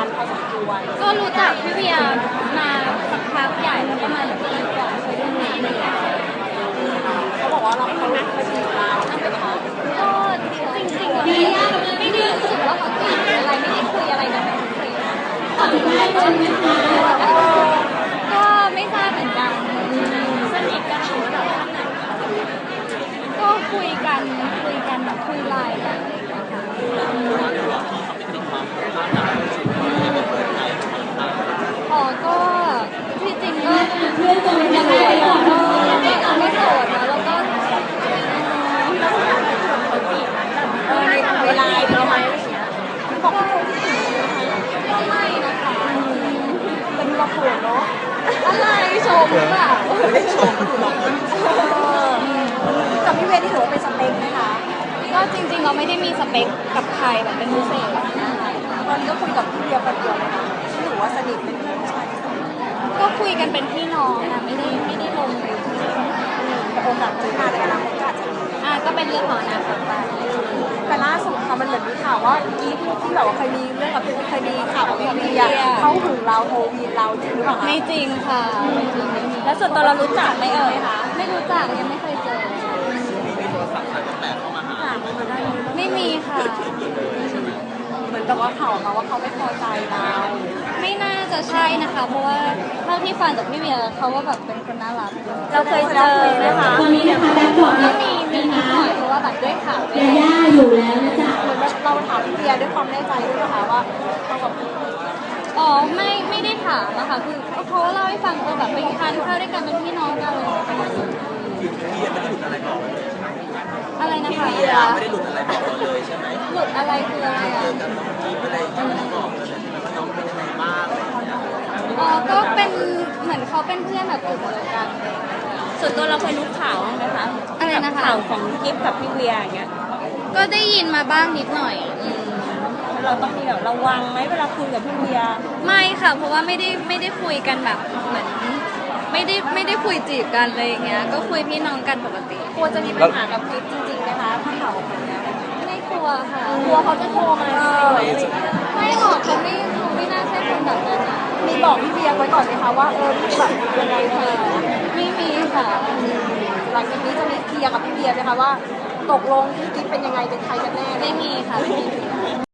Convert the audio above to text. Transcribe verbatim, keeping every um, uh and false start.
านพอสมควรก็รู้จักพี่เวียมาสักพักใหญ่แล้วประมาณปีกว่าเคยได้ยินเขาบอกว่าเราเขานักมาจีบเราใช่ไหมคะก็จริงๆเราไม่ได้ไม่ได้รู้สึกว่าเขาจีบอะไรไม่ได้คุยอะไรกันเป็นคุยก็ไม่ทราบเหมือนกันสนิทกันหรือแบบขั้นไหนก็คุยกันคุยกันแบบคุยไลน์กันอะไรอย่างเงี้ยค่ะอ๋อก็ที่จริงก็ยังไม่ได้ก็ไม่โสดนะแล้วก็เออในเวลาเราไหมอะไรเงี้ยบอกว่าคนที่ถึงก็ไม่นะคะเป็นเราเขินเนาะอะไรชมหรือเปล่าไม่ชมกับพี่เวที่ถือว่าเป็นสเปคไหมคะก็จริงๆเราไม่ได้มีสเปคกับใครแบบเป็นพิเศษนะคะตอนนี้ก็คุยกับพี่เวียคนเดียวเลยนะที่ถือว่าสนิทเป็นเพื่อนชายก็คุยกันเป็นพี่น้องนะไม่ได้ไม่ได้ลงเลยแต่โอกาสที่มาในอนาคตก็อาจจะมีอ่ะก็เป็นเรื่องของอนาคตไปแต่ล่าสุดค่ะมันเหมือนมีข่าวว่ากีฟที่แบบว่าเคยมีเรื่องกับเคยมีข่าวกับพี่เวียเขาหึงเราโทรวีเราจริงหรือเปล่าไม่จริงค่ะไม่จริงไม่มีแล้วส่วนตัวเรารู้จักไหมเอ่ยคะไม่รู้จักยังไม่เคยเจอไม่มีค่ะเหมือนกับว่าข่าวมาว่าเขาไม่พอใจเราไม่น่าจะใช่นะคะเพราะว่าเท่าที่ฟังจากพี่เวียเขาว่าแบบเป็นคนน่ารักเราเคยเจอไหมคะตอนนี้นะคะแบ็คดรอปก็มีมีนิดหน่อยเพราะว่าแบบด้วยข่าวยาย่าอยู่แล้วนะจ๊ะเหมือนเราถามพี่เวียด้วยความแน่ใจด้วยนะคะว่าเขาแบบอ๋อไม่ไม่ได้ถามนะคะคือเขาเล่าให้ฟังเออแบบไปทานข้าวด้วยกันเป็นพี่น้องกันเลยอะไรนะคะไม่ได้หลุดอะไรบอกเราเลยใช่ไหมหลุดอะไรคืออะไรอ่ะอะไรจะไม่บอกเลยว่าน้องเป็นยังไงบ้างอ๋อก็เป็นเหมือนเขาเป็นเพื่อนแบบกลุ่มเดียวกันส่วนตัวเราเคยรู้ข่าวไหมคะอะไรนะคะข่าวของกิฟกับพี่เวียอย่างเงี้ยก็ได้ยินมาบ้างนิดหน่อยเราต้องมีแบบระวังไหมเวลาคุยกับพี่เวียไม่ค่ะเพราะว่าไม่ได้ไม่ได้คุยกันแบบเหมือนไม่ได้ไม่ได้คุยจีบกันเลยอย่างเงี้ยก็คุยพี่น้องกันปกติกลัวจะมีปัญหากับกิฟจริงๆนะคะถ้าข่าวออกมาแล้วไม่กลัวค่ะกลัวเขาจะโทรมาไม่หรอกเขาไม่เขาไม่น่าใช่คนแบบนั้นมีบอกพี่เวียไว้ก่อนไหมคะว่าเออแบบยังไงเธอไม่มีค่ะหลังจากนี้จะมีเคลียร์กับพี่เวียไหมคะว่าตกลงกิฟเป็นยังไงเป็นใครกันแน่ไม่มีค่ะ